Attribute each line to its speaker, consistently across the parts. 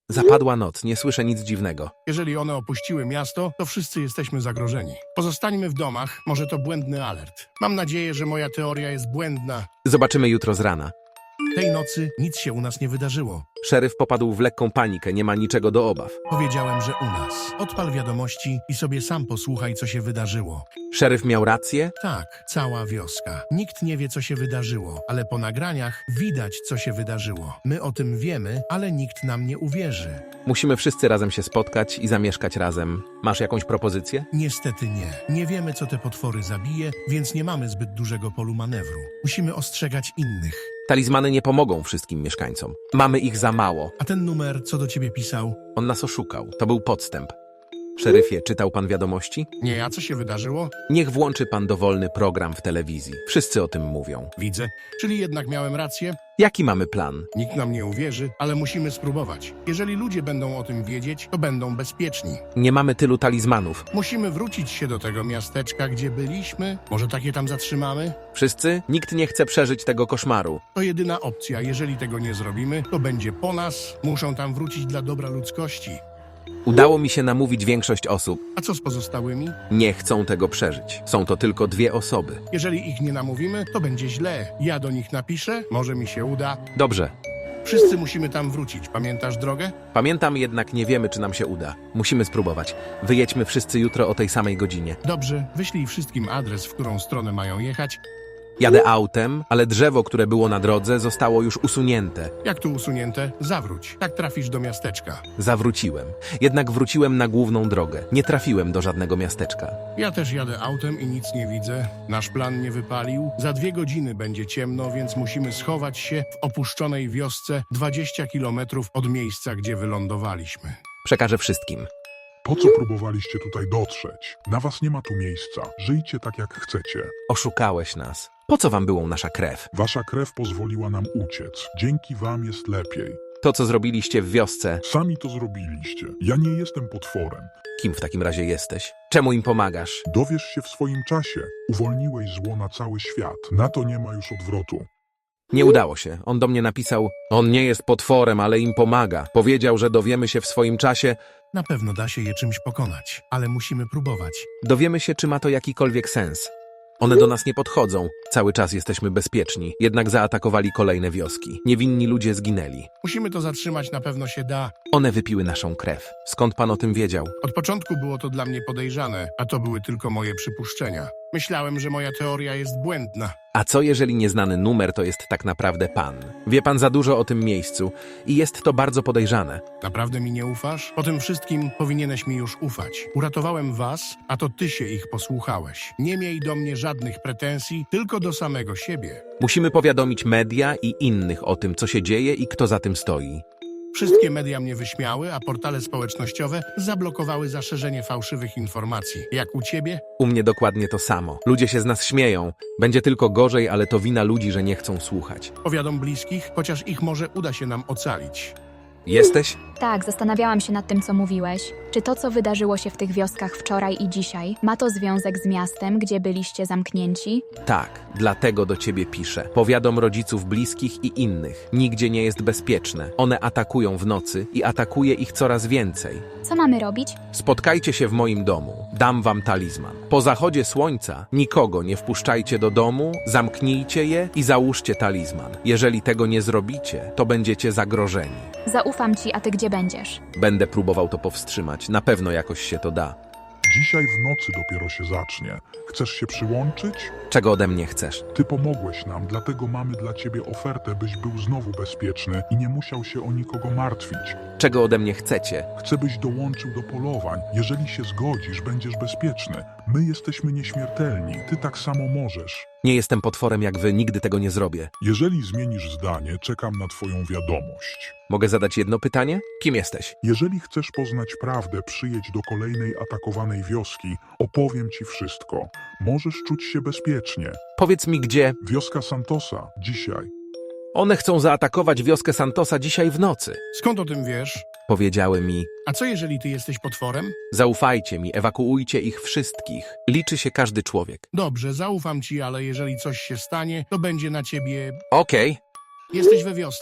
Speaker 1: Zapadła noc, nie słyszę nic dziwnego.
Speaker 2: Jeżeli one opuściły miasto, to wszyscy jesteśmy zagrożeni. Pozostańmy w domach, może to błędny alert. Mam nadzieję, że moja teoria jest błędna.
Speaker 1: Zobaczymy jutro z rana.
Speaker 2: Tej nocy nic się u nas nie wydarzyło.
Speaker 1: Szeryf popadł w lekką panikę, nie ma niczego do obaw.
Speaker 2: Powiedziałem, że u nas. Odpal wiadomości i sobie sam posłuchaj, co się wydarzyło.
Speaker 1: Szeryf miał rację?
Speaker 2: Tak, cała wioska. Nikt nie wie, co się wydarzyło, ale po nagraniach widać, co się wydarzyło. My o tym wiemy, ale nikt nam nie uwierzy.
Speaker 1: Musimy wszyscy razem się spotkać i zamieszkać razem. Masz jakąś propozycję?
Speaker 2: Niestety nie. Nie wiemy, co te potwory zabije, więc nie mamy zbyt dużego polu manewru. Musimy ostrzegać innych.
Speaker 1: Talizmany nie pomogą wszystkim mieszkańcom. Mamy ich za mało.
Speaker 2: A ten numer, co do ciebie pisał?
Speaker 1: On nas oszukał. To był podstęp. Szeryfie, czytał pan wiadomości?
Speaker 2: Nie, a co się wydarzyło?
Speaker 1: Niech włączy pan dowolny program w telewizji. Wszyscy o tym mówią.
Speaker 2: Widzę. Czyli jednak miałem rację?
Speaker 1: Jaki mamy plan?
Speaker 2: Nikt nam nie uwierzy, ale musimy spróbować. Jeżeli ludzie będą o tym wiedzieć, to będą bezpieczni.
Speaker 1: Nie mamy tylu talizmanów.
Speaker 2: Musimy wrócić się do tego miasteczka, gdzie byliśmy. Może takie tam zatrzymamy?
Speaker 1: Wszyscy? Nikt nie chce przeżyć tego koszmaru.
Speaker 2: To jedyna opcja. Jeżeli tego nie zrobimy, to będzie po nas. Muszą tam wrócić dla dobra ludzkości.
Speaker 1: Udało mi się namówić większość osób.
Speaker 2: A co z pozostałymi?
Speaker 1: Nie chcą tego przeżyć. Są to tylko 2 osoby.
Speaker 2: Jeżeli ich nie namówimy, to będzie źle. Ja do nich napiszę, może mi się uda.
Speaker 1: Dobrze.
Speaker 2: Wszyscy musimy tam wrócić. Pamiętasz drogę?
Speaker 1: Pamiętam, jednak nie wiemy, czy nam się uda. Musimy spróbować. Wyjedźmy wszyscy jutro o tej samej godzinie.
Speaker 2: Dobrze, wyślij wszystkim adres, w którą stronę mają jechać.
Speaker 1: Jadę autem, ale drzewo, które było na drodze, zostało już usunięte.
Speaker 2: Jak tu usunięte? Zawróć. Tak trafisz do miasteczka.
Speaker 1: Zawróciłem. Jednak wróciłem na główną drogę. Nie trafiłem do żadnego miasteczka.
Speaker 2: Ja też jadę autem i nic nie widzę. Nasz plan nie wypalił. Za 2 godziny będzie ciemno, więc musimy schować się w opuszczonej wiosce 20 kilometrów od miejsca, gdzie wylądowaliśmy.
Speaker 1: Przekażę wszystkim.
Speaker 3: Po co próbowaliście tutaj dotrzeć? Na was nie ma tu miejsca. Żyjcie tak jak chcecie.
Speaker 1: Oszukałeś nas. Po co wam była nasza krew?
Speaker 3: Wasza krew pozwoliła nam uciec. Dzięki wam jest lepiej.
Speaker 1: To, co zrobiliście w wiosce,
Speaker 3: Sami to zrobiliście. Ja nie jestem potworem.
Speaker 1: kim w takim razie jesteś? Czemu im pomagasz?
Speaker 3: Dowiesz się w swoim czasie. Uwolniłeś zło na cały świat. Na to nie ma już odwrotu.
Speaker 1: Nie udało się. On do mnie napisał, on nie jest potworem, ale im pomaga. Powiedział, że dowiemy się w swoim czasie.
Speaker 2: Na pewno da się je czymś pokonać, ale musimy próbować.
Speaker 1: Dowiemy się, czy ma to jakikolwiek sens. One do nas nie podchodzą. Cały czas jesteśmy bezpieczni. Jednak zaatakowali kolejne wioski. Niewinni ludzie zginęli.
Speaker 2: Musimy to zatrzymać, na pewno się da.
Speaker 1: One wypiły naszą krew. Skąd pan o tym wiedział?
Speaker 2: Od początku było to dla mnie podejrzane, a to były tylko moje przypuszczenia. Myślałem, że moja teoria jest błędna.
Speaker 1: A co jeżeli nieznany numer to jest tak naprawdę pan? Wie pan za dużo o tym miejscu i jest to bardzo podejrzane.
Speaker 2: Naprawdę mi nie ufasz? Po tym wszystkim powinieneś mi już ufać. Uratowałem was, a to ty się ich posłuchałeś. Nie miej do mnie żadnych pretensji, tylko do samego siebie.
Speaker 1: Musimy powiadomić media i innych o tym, co się dzieje i kto za tym stoi.
Speaker 2: Wszystkie media mnie wyśmiały, a portale społecznościowe zablokowały zaszerzenie fałszywych informacji. Jak u ciebie?
Speaker 1: U mnie dokładnie to samo. Ludzie się z nas śmieją. Będzie tylko gorzej, ale to wina ludzi, że nie chcą słuchać.
Speaker 2: Powiadom bliskich, chociaż ich może uda się nam ocalić.
Speaker 1: Jesteś?
Speaker 4: Tak, zastanawiałam się nad tym, co mówiłeś. Czy to, co wydarzyło się w tych wioskach wczoraj i dzisiaj, ma to związek z miastem, gdzie byliście zamknięci?
Speaker 1: Tak, dlatego do ciebie piszę. Powiadom rodziców bliskich i innych. Nigdzie nie jest bezpieczne. One atakują w nocy i atakuje ich coraz więcej.
Speaker 4: Co mamy robić?
Speaker 1: Spotkajcie się w moim domu. Dam wam talizman. Po zachodzie słońca nikogo nie wpuszczajcie do domu, zamknijcie je i załóżcie talizman. Jeżeli tego nie zrobicie, to będziecie zagrożeni.
Speaker 4: Zaufam ci, a ty gdzie będziesz?
Speaker 1: Będę próbował to powstrzymać. Na pewno jakoś się to da.
Speaker 3: Dzisiaj w nocy dopiero się zacznie. Chcesz się przyłączyć?
Speaker 1: Czego ode mnie chcesz?
Speaker 3: Ty pomogłeś nam, dlatego mamy dla ciebie ofertę, byś był znowu bezpieczny i nie musiał się o nikogo martwić.
Speaker 1: Czego ode mnie chcecie?
Speaker 3: Chcę, byś dołączył do polowań. Jeżeli się zgodzisz, będziesz bezpieczny. My jesteśmy nieśmiertelni. Ty tak samo możesz.
Speaker 1: Nie jestem potworem jak wy, nigdy tego nie zrobię.
Speaker 3: Jeżeli zmienisz zdanie, czekam na twoją wiadomość.
Speaker 1: Mogę zadać jedno pytanie? Kim jesteś?
Speaker 3: Jeżeli chcesz poznać prawdę, przyjedź do kolejnej atakowanej wioski. Opowiem ci wszystko. Możesz czuć się bezpiecznie.
Speaker 1: Powiedz mi gdzie.
Speaker 3: Wioska Santosa. Dzisiaj.
Speaker 1: One chcą zaatakować wioskę Santosa dzisiaj w nocy.
Speaker 2: Skąd o tym wiesz?
Speaker 1: Powiedziały mi,
Speaker 2: A co jeżeli ty jesteś potworem?
Speaker 1: zaufajcie mi, ewakuujcie ich wszystkich. Liczy się każdy człowiek.
Speaker 2: Dobrze, zaufam ci, ale jeżeli coś się stanie, to będzie na ciebie...
Speaker 1: Okej.
Speaker 2: Jesteś we wiosce?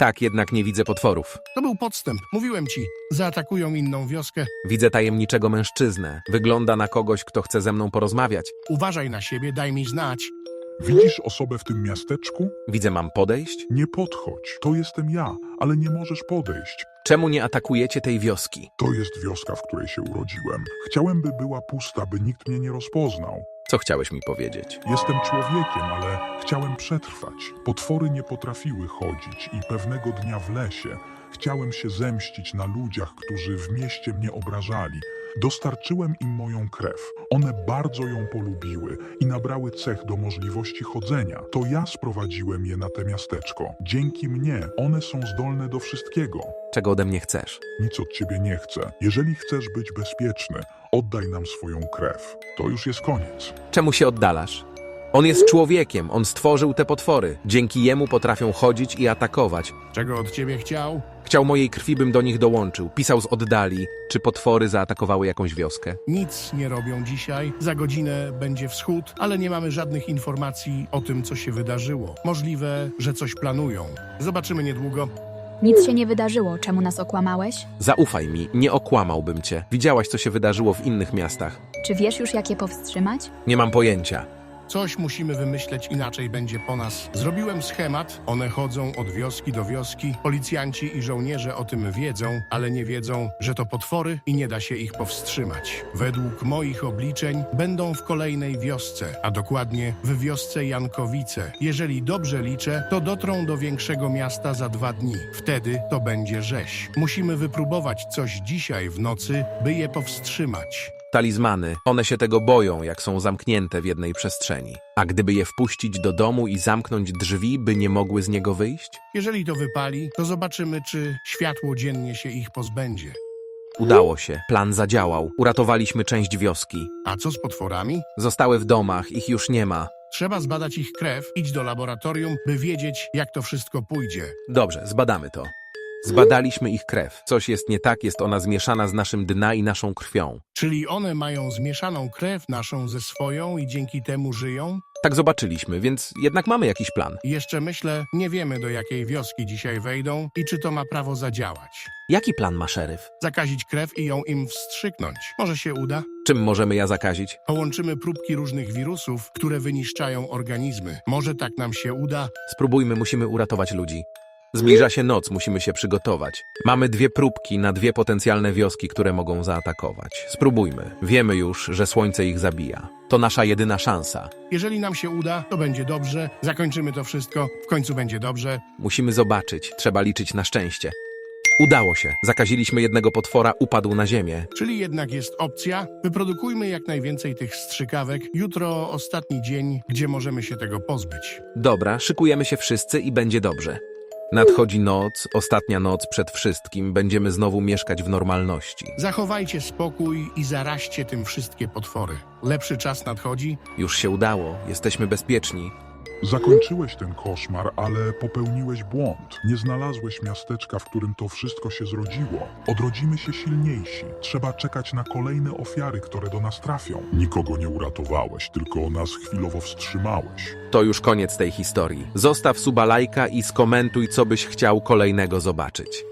Speaker 1: Tak, jednak nie widzę potworów.
Speaker 2: To był podstęp. Mówiłem ci. Zaatakują inną wioskę.
Speaker 1: Widzę tajemniczego mężczyznę. Wygląda na kogoś, kto chce ze mną porozmawiać.
Speaker 2: Uważaj na siebie, daj mi znać.
Speaker 3: Widzisz osobę w tym miasteczku?
Speaker 1: Widzę, mam podejść?
Speaker 3: Nie podchodź. To jestem ja, ale nie możesz podejść.
Speaker 1: Czemu nie atakujecie tej wioski?
Speaker 3: To jest wioska, w której się urodziłem. Chciałem, by była pusta, by nikt mnie nie rozpoznał.
Speaker 1: Co chciałeś mi powiedzieć?
Speaker 3: Jestem człowiekiem, ale chciałem przetrwać. Potwory nie potrafiły chodzić i pewnego dnia w lesie chciałem się zemścić na ludziach, którzy w mieście mnie obrażali. Dostarczyłem im moją krew. One bardzo ją polubiły i nabrały cech do możliwości chodzenia. To ja sprowadziłem je na te miasteczko. Dzięki mnie one są zdolne do wszystkiego.
Speaker 1: Czego ode mnie chcesz?
Speaker 3: Nic od ciebie nie chcę. Jeżeli chcesz być bezpieczny, oddaj nam swoją krew. To już jest koniec.
Speaker 1: Czemu się oddalasz? On jest człowiekiem, on stworzył te potwory. Dzięki jemu potrafią chodzić i atakować.
Speaker 2: Czego od ciebie chciał?
Speaker 1: Chciał mojej krwi, bym do nich dołączył. Pisał z oddali, czy potwory zaatakowały jakąś wioskę.
Speaker 2: Nic nie robią dzisiaj. Za godzinę będzie wschód, ale nie mamy żadnych informacji o tym, co się wydarzyło. Możliwe, że coś planują. Zobaczymy niedługo.
Speaker 4: Nic się nie wydarzyło, czemu nas okłamałeś?
Speaker 1: Zaufaj mi, nie okłamałbym cię. Widziałaś, co się wydarzyło w innych miastach.
Speaker 4: Czy wiesz już, jak je powstrzymać?
Speaker 1: Nie mam pojęcia.
Speaker 2: Coś musimy wymyśleć, inaczej będzie po nas. Zrobiłem schemat, one chodzą od wioski do wioski. Policjanci i żołnierze o tym wiedzą, ale nie wiedzą, że to potwory i nie da się ich powstrzymać. Według moich obliczeń będą w kolejnej wiosce, a dokładnie w wiosce Jankowice. Jeżeli dobrze liczę, to dotrą do większego miasta za 2 dni. Wtedy to będzie rzeź. Musimy wypróbować coś dzisiaj w nocy, by je powstrzymać.
Speaker 1: Talizmany, one się tego boją, jak są zamknięte w jednej przestrzeni. A gdyby je wpuścić do domu i zamknąć drzwi, by nie mogły z niego wyjść?
Speaker 2: Jeżeli to wypali, to zobaczymy, czy światło dziennie się ich pozbędzie.
Speaker 1: Udało się, plan zadziałał. Uratowaliśmy część wioski.
Speaker 2: A co z potworami?
Speaker 1: Zostały w domach, ich już nie ma.
Speaker 2: Trzeba zbadać ich krew, idź do laboratorium, by wiedzieć, jak to wszystko pójdzie.
Speaker 1: Dobrze, zbadamy to. Zbadaliśmy ich krew. Coś jest nie tak, jest ona zmieszana z naszym DNA i naszą krwią.
Speaker 2: Czyli one mają zmieszaną krew naszą ze swoją i dzięki temu żyją?
Speaker 1: Tak zobaczyliśmy, więc jednak mamy jakiś plan.
Speaker 2: I jeszcze myślę, nie wiemy, do jakiej wioski dzisiaj wejdą i czy to ma prawo zadziałać.
Speaker 1: Jaki plan ma szeryf?
Speaker 2: Zakazić krew i ją im wstrzyknąć. Może się uda?
Speaker 1: Czym możemy ja zakazić?
Speaker 2: Połączymy próbki różnych wirusów, które wyniszczają organizmy. Może tak nam się uda?
Speaker 1: Spróbujmy, musimy uratować ludzi. Zbliża się noc, musimy się przygotować. Mamy 2 próbki na 2 potencjalne wioski, które mogą zaatakować. Spróbujmy. Wiemy już, że słońce ich zabija. To nasza jedyna szansa.
Speaker 2: Jeżeli nam się uda, to będzie dobrze. Zakończymy to wszystko. W końcu będzie dobrze.
Speaker 1: Musimy zobaczyć, trzeba liczyć na szczęście. Udało się. Zakaziliśmy jednego potwora, upadł na ziemię.
Speaker 2: Czyli jednak jest opcja. Wyprodukujmy jak najwięcej tych strzykawek. Jutro ostatni dzień, gdzie możemy się tego pozbyć.
Speaker 1: Dobra, szykujemy się wszyscy i będzie dobrze. Nadchodzi noc, ostatnia noc przed wszystkim. Będziemy znowu mieszkać w normalności.
Speaker 2: Zachowajcie spokój i zaraźcie tym wszystkie potwory. Lepszy czas nadchodzi.
Speaker 1: Już się udało, jesteśmy bezpieczni.
Speaker 3: Zakończyłeś ten koszmar, ale popełniłeś błąd. Nie znalazłeś miasteczka, w którym to wszystko się zrodziło. Odrodzimy się silniejsi. Trzeba czekać na kolejne ofiary, które do nas trafią. Nikogo nie uratowałeś, tylko nas chwilowo wstrzymałeś.
Speaker 1: To już koniec tej historii. Zostaw suba, lajka i skomentuj, co byś chciał kolejnego zobaczyć.